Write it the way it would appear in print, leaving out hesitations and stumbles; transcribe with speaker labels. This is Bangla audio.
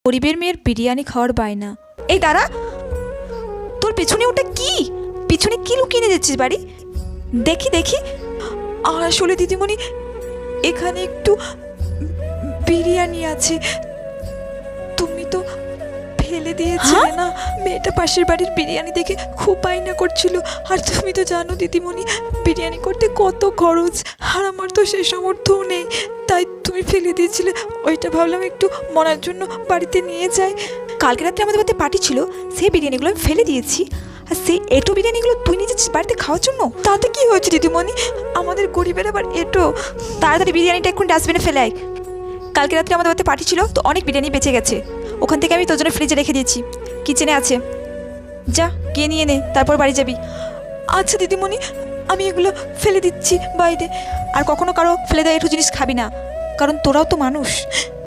Speaker 1: গরিবের মেয়ের বিরিয়ানি খাওয়ার বায়না। এই দাঁড়া, তোর পেছনে ওটা কি? পিছনে কি লুকিয়ে নিয়ে যাচ্ছিস বাড়ি? দেখি দেখি। আসলে দিদিমণি, এখানে একটু বিরিয়ানি আছে, তুমি তো ফেলে দিয়েছিলে না। মেয়েটা পাশের বাড়ির বিরিয়ানি দেখে খুব বায়না করছিল, আর তুমি তো জানো দিদিমণি বিরিয়ানি করতে কত খরচ, আর আমার তো সেই সামর্থ্যও নেই, তাই তুমি ফেলে দিয়েছিলে। ওইটা ভাবলাম একটু মনার জন্য বাড়িতে নিয়ে যাই। কালকে রাত্রে আমাদের বাড়িতে পার্টি ছিল, সেই বিরিয়ানিগুলো আমি ফেলে দিয়েছি, আর সেই এটো বিরিয়ানিগুলো তুই নিয়ে যাচ্ছিস বাড়িতে খাওয়ার জন্য। তাতে কি হয়েছে দিদিমণি, আমাদের গরিবের আবার এটো। তাড়াতাড়ি বিরিয়ানিটা এখন ডাস্টবিনে ফেলে আয়। কালকে রাত্রে আমাদের বাড়িতে পার্টি ছিল, তো অনেক বিরিয়ানি বেঁচে গেছে, ওখান থেকে আমি তোর জন্য ফ্রিজে রেখে দিয়েছি, কিচেনে আছে, যা গিয়ে নিয়ে নে, তারপর বাড়ি যাবি। আচ্ছা দিদিমণি, আমি এগুলো ফেলে দিচ্ছি বাইরে। আর কখনো কারো ফেলে দেওয়া একটু জিনিস খাবি না, কারণ তোরাও তো মানুষ।